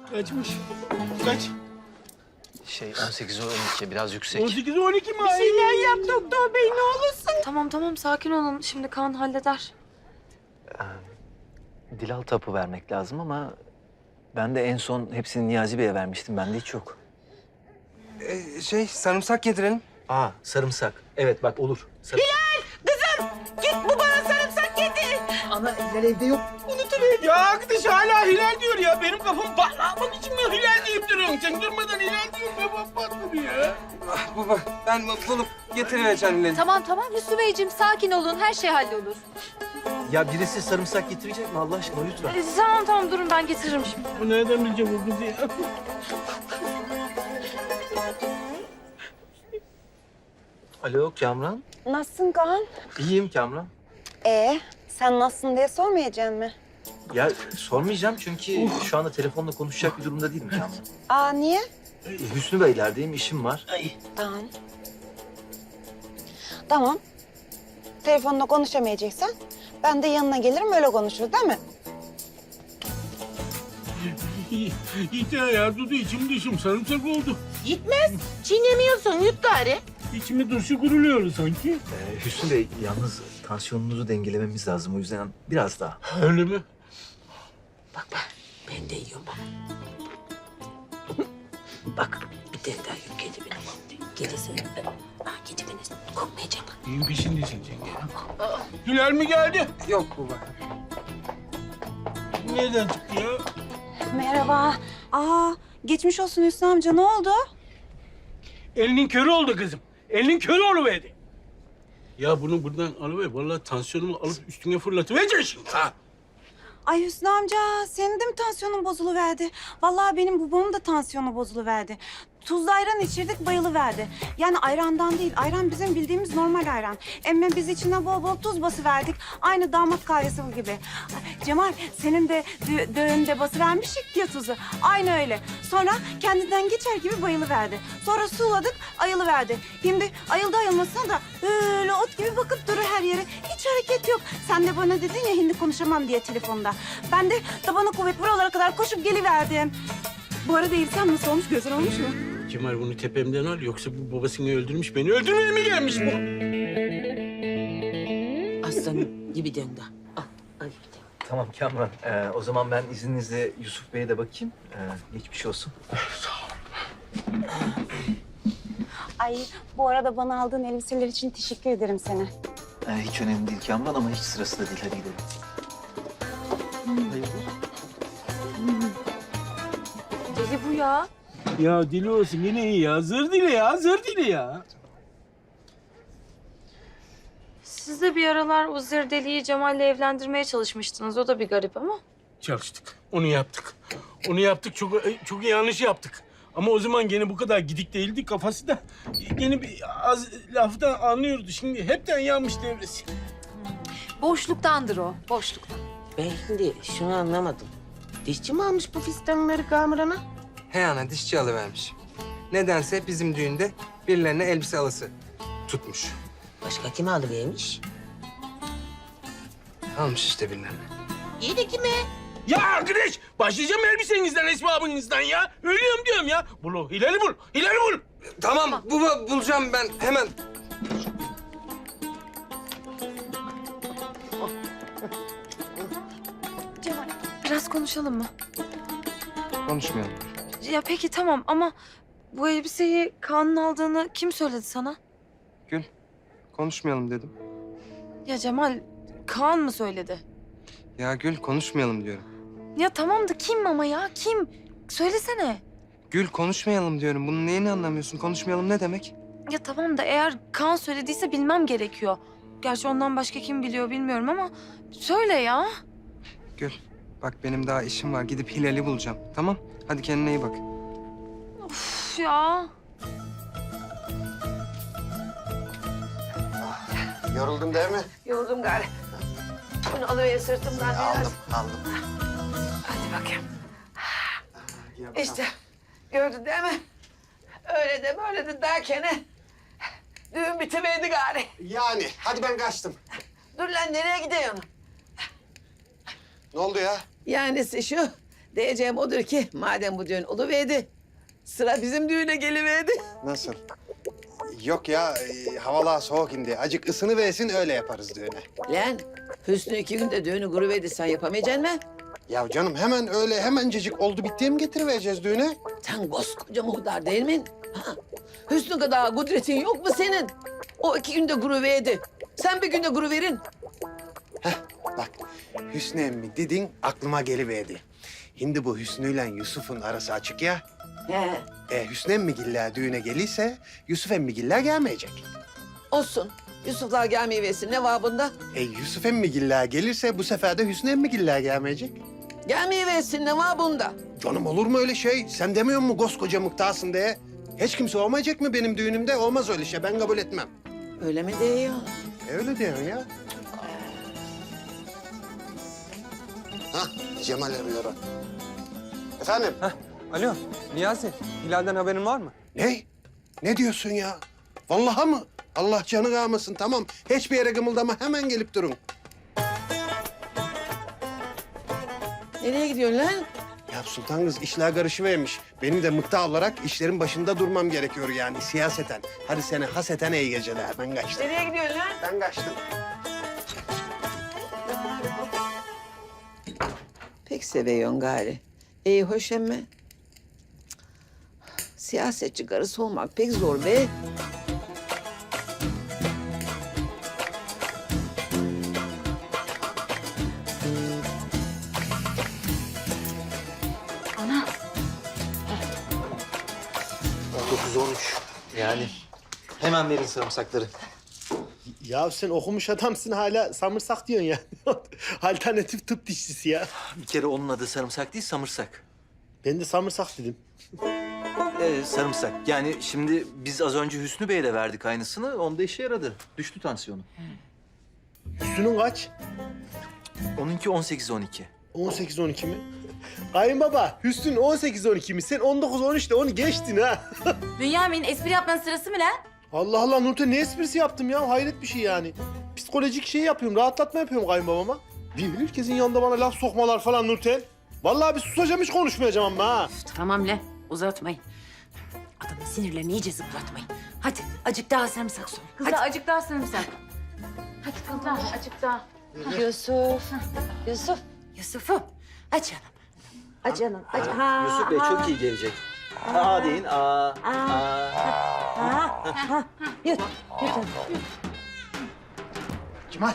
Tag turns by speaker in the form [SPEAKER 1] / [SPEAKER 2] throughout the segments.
[SPEAKER 1] Kaçmış? Kaç?
[SPEAKER 2] 18'e 12 biraz yüksek.
[SPEAKER 1] 18'e 12 mi?
[SPEAKER 3] Bir şeyler yap doktor bey ne olursun.
[SPEAKER 4] Tamam sakin olun. Şimdi Kaan halleder.
[SPEAKER 2] Dilal tapu vermek lazım ama ben de en son hepsini Niyazi Bey'e vermiştim. Bende hiç yok.
[SPEAKER 5] Sarımsak yedirelim.
[SPEAKER 2] Aa, sarımsak. Evet bak olur.
[SPEAKER 3] Git bu bana sarımsak getir.
[SPEAKER 2] Ana Hilal evde yok.
[SPEAKER 1] Unutuver. Ya arkadaş hala Hilal diyor ya. Benim kafam patlamak için mi Hilal deyip duruyorsun? Sen durmadan Hilal diyorsun. Kafam patladı ya.
[SPEAKER 5] Ah, baba ben bulup getirivereceğim Hilal'i.
[SPEAKER 6] Tamam Hüsnü Beyciğim sakin olun her şey hallolur.
[SPEAKER 2] Ya birisi sarımsak getirecek mi Allah aşkına lütfen?
[SPEAKER 4] Tamam durun ben getiririm şimdi.
[SPEAKER 1] Bu nereden bilecek bu kızı ya?
[SPEAKER 2] Alo Kamran.
[SPEAKER 7] Nasılsın Kaan?
[SPEAKER 2] İyiyim Kamran.
[SPEAKER 7] Sen nasılsın diye sormayacaksın mı?
[SPEAKER 2] Ya sormayacağım çünkü şu anda telefonla konuşacak bir durumda değilim Kamran.
[SPEAKER 7] Aa niye?
[SPEAKER 2] Hüsnü Beyler'deyim, işim var.
[SPEAKER 7] Tamam. Tamam. Telefonla konuşamayacaksan ben de yanına gelirim öyle konuşuruz değil mi?
[SPEAKER 1] Yeter ya Dudu içim dışım sarımsak oldu.
[SPEAKER 3] Gitmez. Çiğnemiyorsun yut gari.
[SPEAKER 1] İçimi dışı kuruluyor sanki.
[SPEAKER 2] Hüsnü Bey yalnız tansiyonunuzu dengelememiz lazım o yüzden biraz daha.
[SPEAKER 1] Öyle mi?
[SPEAKER 3] Bak ben de yiyorum bak. Bak bir tane daha yok kedi benim. Gerisi. Kedi beni korkmayacak.
[SPEAKER 1] Neyin peşindesin sen ya? Hilal mi geldi?
[SPEAKER 5] Yok baba.
[SPEAKER 1] Nereden çıktı ya?
[SPEAKER 7] Merhaba. Geçmiş olsun Hüsnü amca ne oldu?
[SPEAKER 1] Elinin körü oldu kızım. Elinin körü oluverdi. Ya bunu buradan alıver. Vallahi tansiyonumu alıp üstüne fırlatıvereceksin şimdi ha.
[SPEAKER 7] Ay Hüsnü amca senin de mi tansiyonun bozuluverdi? Vallahi benim babamın da tansiyonu bozuluverdi. Tuzlu ayran içirdik bayılıverdi. Yani ayrandan değil, ayran bizim bildiğimiz normal ayran. Emme biz içine bol bol tuz basıverdik. Aynı damat kahvesi gibi. Ay, Cemal senin de düğünde basıvermiştik ya tuzu. Aynı öyle. Sonra kendinden geçer gibi bayılıverdi. Sonra suladık, ayılıverdi. Şimdi ayıldı ayılmasına da böyle ot gibi bakıp durur her yere. Hiç hareket yok. Sen de bana dedin ya hindi konuşamam diye telefonda. Ben de tabana kuvvet buralara kadar koşup geliverdim. Bu arada İlsen nasıl olmuş? Güzel olmuş mu?
[SPEAKER 1] Kemal bunu tepemden al yoksa bu babasını öldürmüş beni öldürmeye mi gelmiş bu?
[SPEAKER 3] Aslanım gibi döndü. Al bir de.
[SPEAKER 2] Tamam Kamran. O zaman ben izninizle Yusuf Bey'e de bakayım. Geçmiş olsun.
[SPEAKER 7] Ay bu arada bana aldığın elbiseler için teşekkür ederim sana.
[SPEAKER 2] Hiç önemli değil Kamran ama hiç sırası da değil. Hadi gidelim.
[SPEAKER 4] Deli bu ya.
[SPEAKER 1] Ya deli olsun yine iyi ya. Zır dili ya, zır dili ya.
[SPEAKER 4] Siz de bir aralar o Zirdeli'yi Cemal'le evlendirmeye çalışmıştınız. O da bir garip ama.
[SPEAKER 1] Çalıştık. Onu yaptık. Onu yaptık. Çok yanlış yaptık. Ama o zaman gene bu kadar gidik değildi. Kafası da gene bir az laftan anlıyordu. Şimdi hepten yanmış devresi.
[SPEAKER 6] Boşluktandır o boşluktan.
[SPEAKER 3] Ben şimdi şunu anlamadım. Dişçi mi almış bu fistanları Kamuran'a?
[SPEAKER 5] He ana dişçi alıvermiş. Nedense bizim düğünde birilerine elbise alısı tutmuş.
[SPEAKER 3] Başka kime alıvermiş?
[SPEAKER 5] Almış işte birilerine.
[SPEAKER 3] İyi de kime?
[SPEAKER 1] Ya arkadaş başlayacağım elbisenizden, esbabınızdan ya. Ölüyorum diyorum ya. Bul, Hilal'i bul. Hilal'i bul.
[SPEAKER 5] Tamam baba bulacağım ben hemen.
[SPEAKER 4] Cemal biraz konuşalım mı?
[SPEAKER 5] Konuşmayalım.
[SPEAKER 4] Ya peki tamam ama bu elbiseyi Kaan'ın aldığını kim söyledi sana?
[SPEAKER 5] Gül konuşmayalım dedim.
[SPEAKER 4] Ya Cemal Kaan mı söyledi?
[SPEAKER 5] Ya Gül konuşmayalım diyorum.
[SPEAKER 4] Ya tamam da kim ama ya kim? Söylesene.
[SPEAKER 5] Gül konuşmayalım diyorum. Bunun neyini anlamıyorsun? Konuşmayalım ne demek?
[SPEAKER 4] Ya tamam da eğer Kaan söylediyse bilmem gerekiyor. Gerçi ondan başka kim biliyor bilmiyorum ama söyle ya.
[SPEAKER 5] Gül bak benim daha işim var. Gidip Hilal'i bulacağım. Tamam? Hadi kendine iyi bak.
[SPEAKER 4] Üf ya.
[SPEAKER 8] Yoruldun değil mi?
[SPEAKER 3] Yoruldum gari. Bunu alıver sırtımdan biraz.
[SPEAKER 8] Aldım.
[SPEAKER 3] Hadi bakayım. İşte gördün değil mi? Öyle de böyle de derken düğün bitiverdi gari.
[SPEAKER 8] Yani hadi ben kaçtım.
[SPEAKER 3] Dur lan nereye gidiyorsun?
[SPEAKER 8] Ne oldu ya?
[SPEAKER 3] Yani şu
[SPEAKER 9] Diyeceğim odur ki madem bu düğün oluverdi, sıra bizim düğüne geliverdi.
[SPEAKER 8] Nasıl? Yok ya, havalar soğuk indi. Acık ısını versin öyle yaparız düğüne.
[SPEAKER 9] Lan Hüsnü 2 günde düğünü kuruverdi, sen yapamayacaksın mı?
[SPEAKER 8] Ya canım hemen öyle hemencecik oldu bittiye mi getirivereceğiz düğüne?
[SPEAKER 9] Sen koskoca muhtar değil mi? Ha? Hüsnü kadar kudretin yok mu senin? O 2 günde kuruverdi. Sen bir günde kuruverin.
[SPEAKER 8] Bak Hüsnü emmi dedin aklıma geliverdi. Şimdi bu Hüsnü'yle Yusuf'un arası açık ya.
[SPEAKER 9] He,
[SPEAKER 8] Hüsnü emmigiller düğüne gelirse Yusuf emmigiller gelmeyecek.
[SPEAKER 9] olsun. Yusuflar gelmeyiversin. Ne var bunda?
[SPEAKER 8] Yusuf emmigiller gelirse bu sefer de Hüsnü emmigiller gelmeyecek.
[SPEAKER 9] Gelmeyiversin. Ne var bunda?
[SPEAKER 8] Canım olur mu öyle şey? Sen demiyor musun koskoca mıhtarsın diye? Hiç kimse olmayacak mı benim düğünümde? Olmaz öyle şey. Ben kabul etmem.
[SPEAKER 9] Öyle mi diyor?
[SPEAKER 8] Öyle diyorsun ya. Hah, Cemal arıyor. Efendim?
[SPEAKER 5] Alo Niyazi, Hilal'den haberin var mı?
[SPEAKER 8] Ne? Ne diyorsun ya? Vallahi mı? Allah canı almasın, tamam. Hiçbir yere gımıldama, hemen gelip durun.
[SPEAKER 9] Nereye gidiyorsun lan?
[SPEAKER 8] Ya Sultan kız işler karışıvermiş. Benim de mıkta olarak işlerin başında durmam gerekiyor yani siyaseten. Hadi seni haseten iyi geceler. Ben kaçtım.
[SPEAKER 9] Nereye gidiyorsun lan?
[SPEAKER 8] Ben kaçtım.
[SPEAKER 9] Pek seviyorsun gari. İyi hoş emme. Cık. Siyasetçi karısı olmak pek zor be.
[SPEAKER 2] Yani hemen verin sarımsakları.
[SPEAKER 1] Ya sen okumuş adamsın hala samırsak diyorsun ya. Alternatif tıp dişçisi ya.
[SPEAKER 2] Bir kere onun adı sarımsak değil, samırsak.
[SPEAKER 1] Ben de samırsak dedim.
[SPEAKER 2] Sarımsak. Yani şimdi biz az önce Hüsnü Bey'e de verdik aynısını. Onda işe yaradı. Düştü tansiyonu.
[SPEAKER 1] Hüsnü'nün kaç?
[SPEAKER 2] Onunki 18-12.
[SPEAKER 1] 18-12 mi? Kayınbaba, Hüsnü'nün 18-12 mi? Sen 19-13'te onu geçtin ha.
[SPEAKER 4] Bünyamin espri yapmanın sırası mı lan?
[SPEAKER 1] Allah Allah Nurten ne esprisi yaptım ya? Hayret bir şey yani. Psikolojik şey yapıyorum, rahatlatma yapıyorum kayınbabama. Değil herkesin yanında bana laf sokmalar falan Nurten. Vallahi bir susacağım hiç konuşmayacağım ama ha.
[SPEAKER 3] Tamam lan uzatmayın. Adamın sinirlerini iyice zıplatmayın. Hadi acık daha sarımsak soy.
[SPEAKER 4] Kızlar acık daha sarımsak. Hadi kızlar acık daha. Yusuf. Yusuf.
[SPEAKER 3] Yusuf'um aç canım. Aç canım. Aç. Ha,
[SPEAKER 2] Yusuf Bey çok iyi gelecek. Aa deyin. Aa.
[SPEAKER 3] Yut. Yut canım.
[SPEAKER 8] Cemal.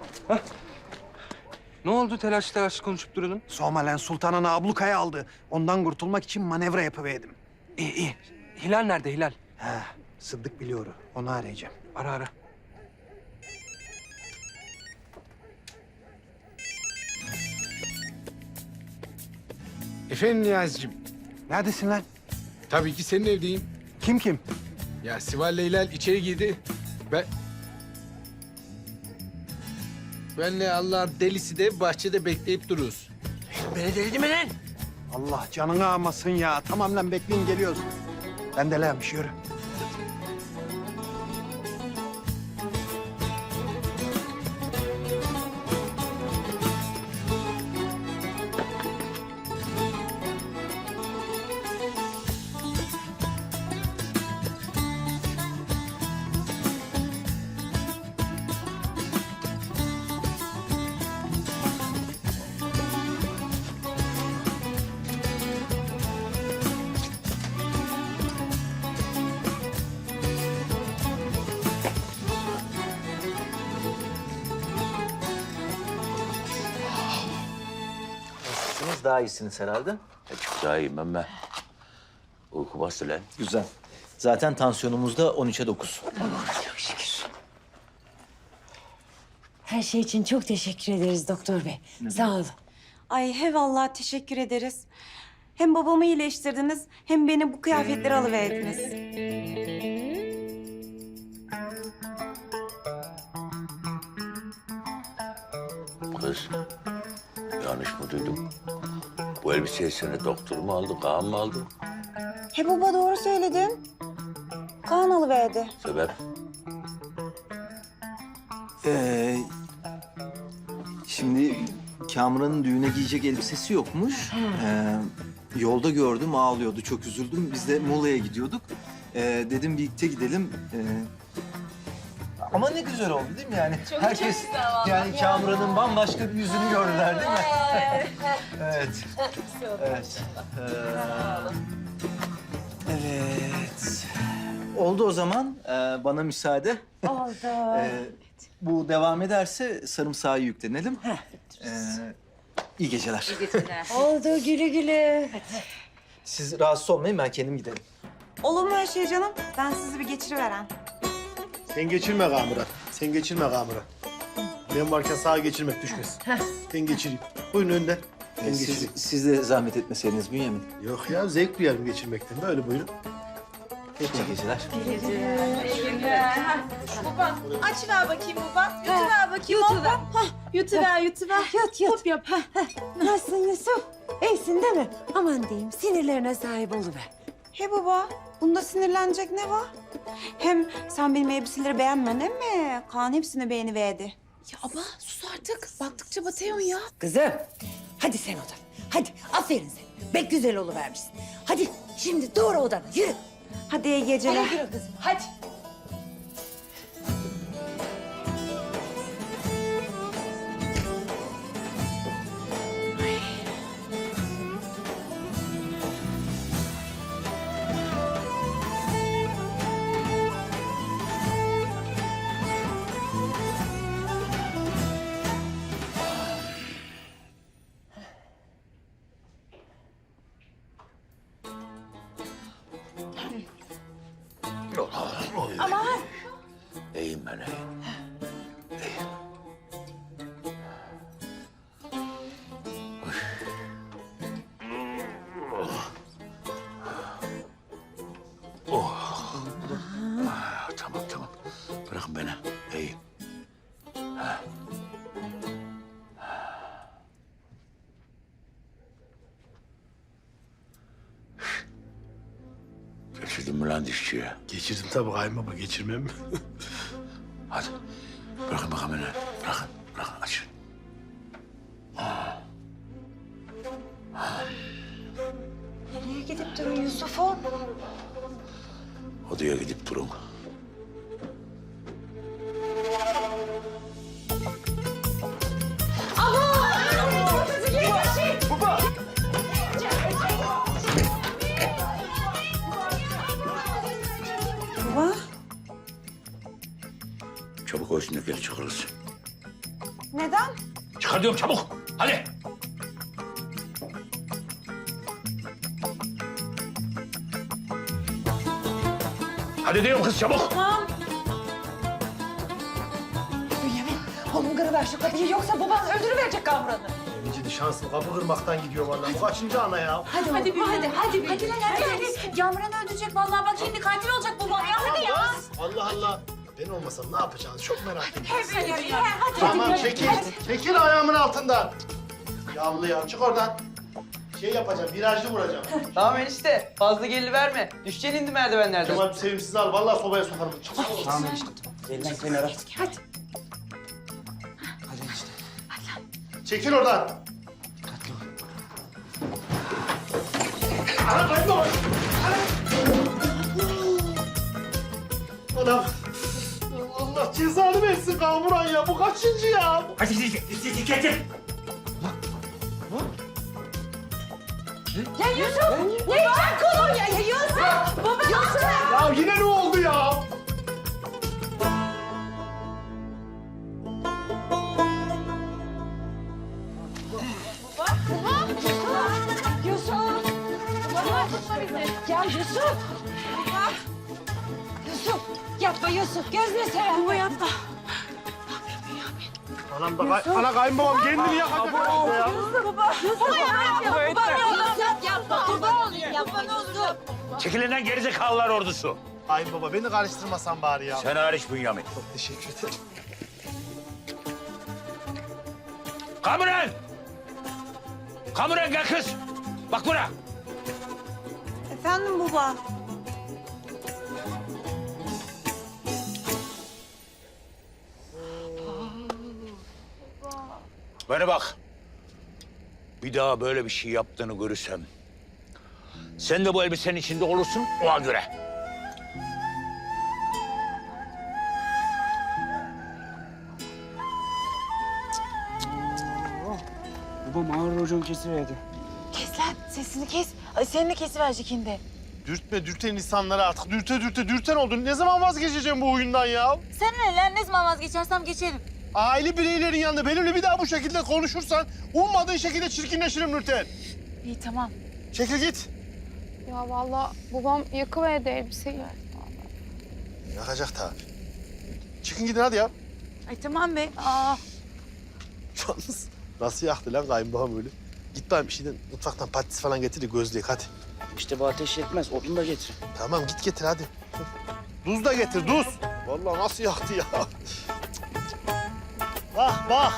[SPEAKER 5] Ne oldu telaş telaş konuşup duralım?
[SPEAKER 8] Somalen Sultan'ın ablukaya aldı. Ondan kurtulmak için manevra yapıverdim.
[SPEAKER 5] İyi iyi. Hilal nerede Hilal?
[SPEAKER 8] Sıddık biliyor. Onu arayacağım.
[SPEAKER 5] Ara ara.
[SPEAKER 10] Efendim Niyazi'cim,
[SPEAKER 8] Neredesin lan?
[SPEAKER 10] tabii ki senin evdeyim.
[SPEAKER 8] Kim?
[SPEAKER 10] Ya Sival Leylal içeri girdi. Benle Allah'ın delisi de bahçede bekleyip dururuz.
[SPEAKER 5] Beni delirdi mi lan?
[SPEAKER 8] Allah canını almasın ya. Tamam lan bekleyin geliyoruz. Ben de lanmış yürü.
[SPEAKER 2] Nasılsınız? Daha iyisiniz herhalde.
[SPEAKER 11] Çok daha iyiyim ama uyku bastı lan.
[SPEAKER 2] Güzel. Zaten tansiyonumuz da 13'e 9.
[SPEAKER 3] Her şey için çok teşekkür ederiz doktor bey. Sağ olun.
[SPEAKER 7] Ay he vallahi teşekkür ederiz. Hem babamı iyileştirdiniz hem beni bu kıyafetleri alıverdiniz.
[SPEAKER 11] Kız, yanlış mı duydum? Bu elbiseyi sana doktor mu aldı, Kaan mı aldı?
[SPEAKER 7] He baba doğru söyledin. Kaan alıverdi.
[SPEAKER 11] Sebep?
[SPEAKER 2] Şimdi Kamuran'ın düğüne giyecek elbisesi yokmuş. Yolda gördüm, ağlıyordu. Çok üzüldüm. Biz de Muğla'ya gidiyorduk. Dedim birlikte gidelim. Ama ne güzel oldu değil mi yani? Herkes yani Kamuran'ın bambaşka bir yüzünü gördüler değil mi? Evet. Evet. Evet. Oldu o zaman. Bana müsaade.
[SPEAKER 3] Oldu.
[SPEAKER 2] Bu devam ederse sarımsağı yüklenelim. İyi geceler.
[SPEAKER 3] Oldu güle güle.
[SPEAKER 2] Siz rahatsız olmayın, ben kendim giderim.
[SPEAKER 7] Olur mu öyle şey canım? Ben sizi bir geçiriveren.
[SPEAKER 8] Sen geçirme Kamuran. Sen geçirme Kamuran. Ben varken sağa geçirmek düşmez. Ben geçireyim. Buyurun önden. Ben geçireyim.
[SPEAKER 2] Siz de zahmet etmeseydiniz Bünyamin.
[SPEAKER 8] Yok ya zevk duyarım geçirmekten. Böyle buyurun.
[SPEAKER 2] İyi geceler.
[SPEAKER 7] Açıver bakayım baba. Yutuver bakayım. Yutuver. Yutuver, yutuver.
[SPEAKER 3] Yut yut.
[SPEAKER 7] Hop yap.
[SPEAKER 3] Nasılsın Yusuf? İyisin değil mi? Aman diyeyim sinirlerine sahip oluver.
[SPEAKER 7] He baba, bunda sinirlenecek ne var? Hem sen benim elbiseleri beğenmedin mi? Kaan hepsini beğeniverdi.
[SPEAKER 6] Ya abla sus artık. Baktıkça batıyorsun ya.
[SPEAKER 3] Kızım hadi sen odana. Hadi aferin sen. Bek güzel oluvermişsin. Hadi şimdi doğru odana yürü.
[SPEAKER 7] Hadi iyi geceler.
[SPEAKER 3] Hadi yürü kızım hadi.
[SPEAKER 11] İyiyim ben iyiyim. İyiyim. Tamam tamam. Bırakın beni. İyiyim. Geçirdin mi lan dişçiye?
[SPEAKER 8] Geçirdim tabii kayınbaba, geçirmem mi?
[SPEAKER 11] Hadi. Bırakın bakalım beni. Bırakın. Bırakın. Açın.
[SPEAKER 7] Nereye gidip durun Yusuf'um?
[SPEAKER 11] Odaya gidip durun.
[SPEAKER 7] Baba,
[SPEAKER 11] Çabuk o üstündekileri çıkarırız.
[SPEAKER 7] neden?
[SPEAKER 11] Çıkar diyorum çabuk. Hadi. Hadi diyorum kız çabuk.
[SPEAKER 6] Bünyamin oğlum kırıver şu kapıyı yoksa baban öldürüverecek Kamuran'ı.
[SPEAKER 8] Emici şanslı kapı kırmaktan gidiyor vallahi. Bu kaçıncı ana ya?
[SPEAKER 6] Hadi Bünyamin hadi. Hadi lan hadi.
[SPEAKER 7] Yağmuran öldürecek vallahi bak şimdi katil olacak babam ya. Hadi ya.
[SPEAKER 8] Allah Allah. Ben olmasam ne yapacağız? Çok merak ediyorum.
[SPEAKER 7] Hadi.
[SPEAKER 8] Tamam çekil. Çekil ayağımın altından. Yavru ya çık oradan. Şey yapacağım, virajlı vuracağım.
[SPEAKER 12] Tamam enişte. Fazla geri verme. Düşeceksin indi merdivenlerden.
[SPEAKER 8] Kemal sevimsiz al. Vallahi sobaya sokarım. Çık.
[SPEAKER 5] Tamam enişte. Elinden kenara.
[SPEAKER 7] Hadi.
[SPEAKER 5] Hadi enişte.
[SPEAKER 8] Çekil oradan. Ana kaybolma. Anam. Allah cezanı versin Kamuran ya. Bu kaçıncı ya?
[SPEAKER 11] Hadi getir.
[SPEAKER 6] Ya Yusuf ne yiyeceksin kolonya ya Yusuf? Baba Yusuf.
[SPEAKER 8] Ya yine ne oldu ya?
[SPEAKER 6] Yusuf. Baba tutma bizi. Ya Yusuf. Yusuf yapma Yusuf gözünü seveyim. Baba yapma.
[SPEAKER 8] Anam da ana kayınbabam kendini yakacak herhalde ya.
[SPEAKER 6] Baba yapma kurban olayım yapma ne olur.
[SPEAKER 11] Çekilinden gerizekalılar ordusu.
[SPEAKER 8] Kayınbaba beni karıştırmasan bari ya.
[SPEAKER 11] Sen hariç Bünyamin.
[SPEAKER 8] Çok teşekkür ederim.
[SPEAKER 11] Kamuran! Kamuran gel kız. Bak buna.
[SPEAKER 7] Efendim baba.
[SPEAKER 11] Bana bak. Bir daha böyle bir şey yaptığını görürsem... ...sen de bu elbisenin içinde olursun ona göre.
[SPEAKER 12] Babam ağır racon kesiverdi.
[SPEAKER 4] Kes lan sesini kes. Ay senin de kesiverecek şimdi.
[SPEAKER 13] Dürtme, dürten insanları artık. Dürten oldun. Ne zaman vazgeçeceğim bu oyundan ya?
[SPEAKER 4] Sen ne lan? Ne zaman vazgeçersem geçerim.
[SPEAKER 13] Aile bireylerin yanında benimle bir daha bu şekilde konuşursan... ...ummadığın şekilde çirkinleşirim Nurten.
[SPEAKER 4] İyi tamam.
[SPEAKER 13] Çekil git.
[SPEAKER 6] Ya vallahi babam yakıverdi elbiseyi.
[SPEAKER 13] Yakacak tabii. Çıkın gidin hadi ya.
[SPEAKER 4] Ay tamam be.
[SPEAKER 13] Yalnız nasıl yaktı lan kayınbağam öyle? Git bana bir şeyden mutfaktan patates falan getir de gözleyek hadi.
[SPEAKER 12] İşte bu ateş yetmez. Odun da getir.
[SPEAKER 13] Tamam git getir hadi. Duz da getir duz. Vallahi nasıl yaktı ya. Bak bak.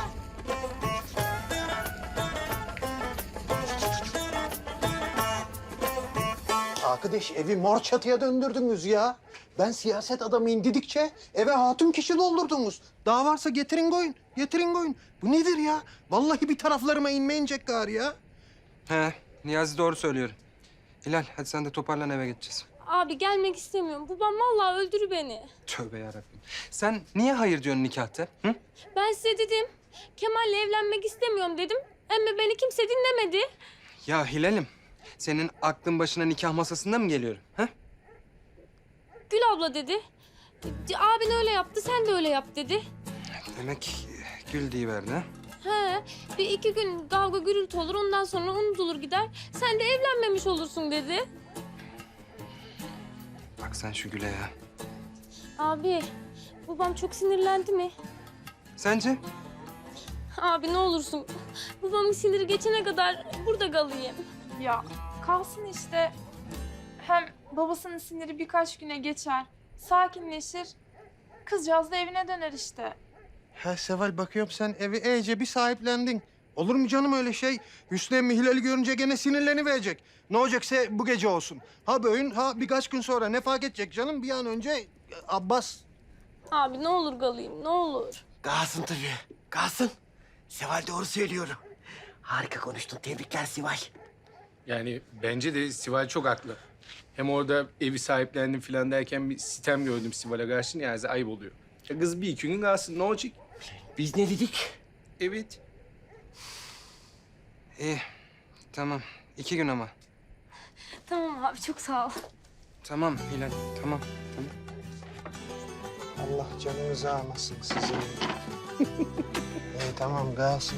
[SPEAKER 13] Arkadaş evi mor çatıya döndürdünüz ya. Ben siyaset adamıyım dedikçe eve hatun kişi doldurdunuz. Daha varsa getirin koyun, getirin koyun. Bu nedir ya? Vallahi bir taraflarıma inmeyecek gari ya.
[SPEAKER 5] He, Niyazi doğru söylüyor. Hilal, hadi sen de toparlan eve gideceğiz.
[SPEAKER 6] Abi gelmek istemiyorum. Babam vallahi öldürür beni.
[SPEAKER 5] Tövbe yarabbim. Sen niye hayır diyorsun nikahta? Hı?
[SPEAKER 6] Ben size dedim. Kemal'le evlenmek istemiyorum dedim. Ama beni kimse dinlemedi.
[SPEAKER 5] Ya Hilal'im, senin aklın başına nikah masasında mı geliyorum? Ha?
[SPEAKER 6] Gül abla dedi. Abin öyle yaptı, sen de öyle yap dedi.
[SPEAKER 5] Demek Gül diyiverdi ha?
[SPEAKER 6] He, bir iki gün kavga gürültü olur, ondan sonra unutulur gider. Sen de evlenmemiş olursun dedi.
[SPEAKER 5] Bak sen şu Gül'e ya.
[SPEAKER 6] Abi, babam çok sinirlendi mi?
[SPEAKER 5] Sence?
[SPEAKER 6] Abi ne olursun, babamın siniri geçene kadar burada kalayım.
[SPEAKER 14] Ya kalsın işte. Hem babasının siniri birkaç güne geçer. Sakinleşir. Kızcağız da evine döner işte.
[SPEAKER 13] Ha Seval bakıyorum sen evi iyice bir sahiplendin. Olur mu canım öyle şey? Hüsnü emmi Hilal'i görünce gene sinirleniverecek. Ne olacaksa bu gece olsun. Ha bugün ha birkaç gün sonra ne fark edecek canım? Bir an önce Abbas.
[SPEAKER 6] Abi ne olur kalayım, ne olur.
[SPEAKER 12] Kalsın tabii. Kalsın. Seval doğru söylüyor. Harika konuştun. Tebrikler Seval.
[SPEAKER 10] Yani bence de Sival çok haklı. Hem orada evi sahiplendim falan derken bir sitem gördüm Sival'e karşı, yani ayıp oluyor. Ya kız bir iki gün kalsın, ne olacak?
[SPEAKER 12] Biz ne dedik?
[SPEAKER 10] Evet.
[SPEAKER 5] İyi, tamam. 2 gün ama.
[SPEAKER 6] Tamam abi, çok sağ ol.
[SPEAKER 5] Tamam Hilal, tamam.
[SPEAKER 13] Allah canınızı almasın sizin. Tamam kalsın.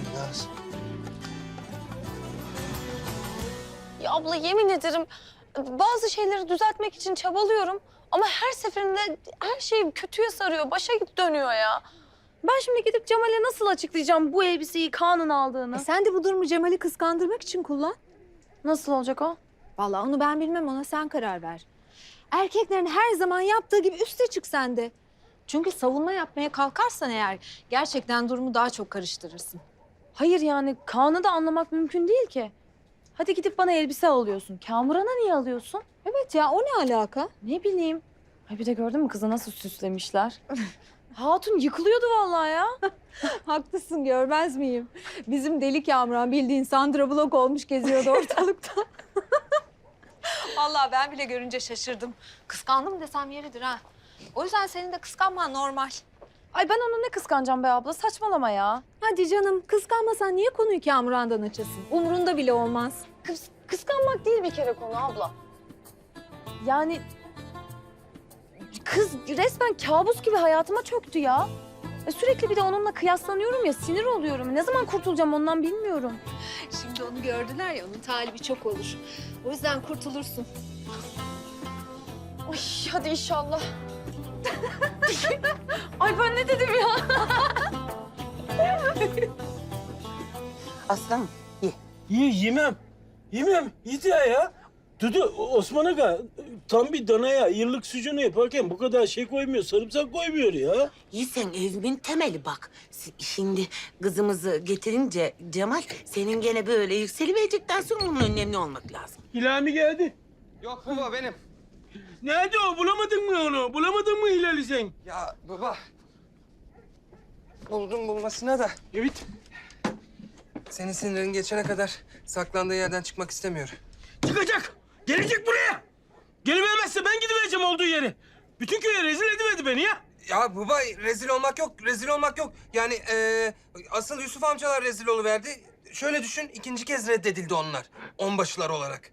[SPEAKER 4] Ya abla yemin ederim bazı şeyleri düzeltmek için çabalıyorum. Ama her seferinde her şey kötüye sarıyor, başa dönüyor ya. Ben şimdi gidip Cemal'e nasıl açıklayacağım bu elbiseyi Kaan'ın aldığını?
[SPEAKER 7] Sen de bu durumu Cemal'i kıskandırmak için kullan.
[SPEAKER 4] Nasıl olacak o?
[SPEAKER 7] Vallahi onu ben bilmem, ona sen karar ver. Erkeklerin her zaman yaptığı gibi üste çık sen de. Çünkü savunma yapmaya kalkarsan eğer gerçekten durumu daha çok karıştırırsın.
[SPEAKER 4] Hayır yani Kaan'ı da anlamak mümkün değil ki. Hadi gidip bana elbise alıyorsun. Kamuran'a niye alıyorsun?
[SPEAKER 7] Evet ya, o ne alaka?
[SPEAKER 4] Ne bileyim. Ay bir de gördün mü kızı nasıl süslemişler? Hatun yıkılıyordu vallahi ya.
[SPEAKER 7] Haklısın, görmez miyim? Bizim deli Kamuran bildiğin Sandra Bullock olmuş geziyordu ortalıkta. Vallahi ben bile görünce şaşırdım. Kıskandım desem yeridir ha. O yüzden senin de kıskanman normal.
[SPEAKER 4] Ay ben onu ne kıskanacağım be abla, saçmalama ya.
[SPEAKER 7] Hadi canım, kıskanmasan niye konuyu Kamuran'dan açasın? Umrunda bile olmaz.
[SPEAKER 4] Kıskanmak değil bir kere konu abla. Yani kız resmen kabus gibi hayatıma çöktü ya. Sürekli bir de onunla kıyaslanıyorum ya, sinir oluyorum. Ne zaman kurtulacağım ondan bilmiyorum.
[SPEAKER 7] Şimdi onu gördüler ya, onun talibi çok olur. O yüzden kurtulursun.
[SPEAKER 4] Ay hadi inşallah. Ay ben ne dedim ya?
[SPEAKER 9] Aslanım ye.
[SPEAKER 1] Yemem. Yedi ya. Dudu, Osman Aga tam bir danaya yıllık sucuğunu yaparken bu kadar şey koymuyor, sarımsak koymuyor ya.
[SPEAKER 9] İyi sen evimin temeli bak. Şimdi kızımızı getirince Cemal senin gene böyle yükseliverecekten sonra onun önemli olmak lazım.
[SPEAKER 1] Hilami geldi.
[SPEAKER 5] Yok baba benim.
[SPEAKER 1] Nerede o? Bulamadın mı onu? Bulamadın mı Hilal'i sen?
[SPEAKER 5] Ya baba. Buldum bulmasına da.
[SPEAKER 1] Evet.
[SPEAKER 5] senin sinirin geçene kadar saklandığı yerden çıkmak istemiyor.
[SPEAKER 1] Çıkacak. Gelecek buraya. Gelivermezse ben gidivereceğim olduğu yere. Bütün köye rezil ediverdi beni ya.
[SPEAKER 5] Ya baba rezil olmak yok, rezil olmak yok. Yani asıl Yusuf amcalar rezil oluverdi. Şöyle düşün, ikinci kez reddedildi onlar. Onbaşılar olarak.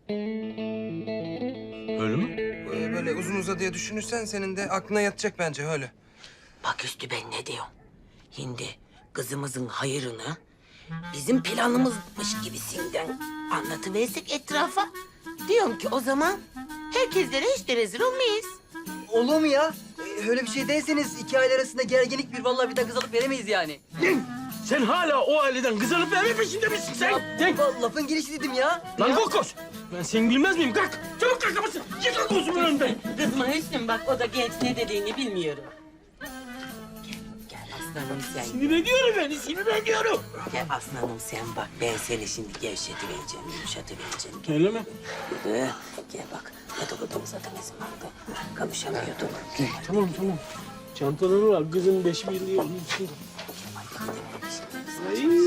[SPEAKER 1] Öyle mi?
[SPEAKER 5] Böyle uzun uzadıya düşünürsen senin de aklına yatacak bence öyle.
[SPEAKER 9] Bak Üstü ben ne diyorum? Şimdi kızımızın hayırını bizim planımızmış gibisinden anlatıversek etrafa. Diyorum ki o zaman herkeslere hiç de rezil olmayız.
[SPEAKER 12] Olur mu ya? Öyle bir şey değilseniz iki aile arasında gerginlik bir vallahi bir de kız alıp veremeyiz yani.
[SPEAKER 1] Sen hala o aileden kız alıp verme peşinde misin sen? Sen...
[SPEAKER 12] Lafın gelişi dedim ya.
[SPEAKER 1] Lan kokos! Ben seni bilmez miyim? Kalk! Çabuk kalk kapısın! Yıkıl gözümün önünden!
[SPEAKER 9] Kızma Hüsnü bak o da genç ne dediğini bilmiyorum. Gel aslanım sen.
[SPEAKER 1] Sinir ediyorum beni, sinir ediyorum!
[SPEAKER 9] Gel aslanım sen bak ben seni şimdi gevşetivereceğim, yumuşatıvereceğim.
[SPEAKER 1] Öyle mi?
[SPEAKER 9] Gel bak yatıldığımız zaten izin vardı. Kavuşamıyorduk.
[SPEAKER 1] Tamam. Çantaları var, kızın 5 birliği onun içinde. Ay,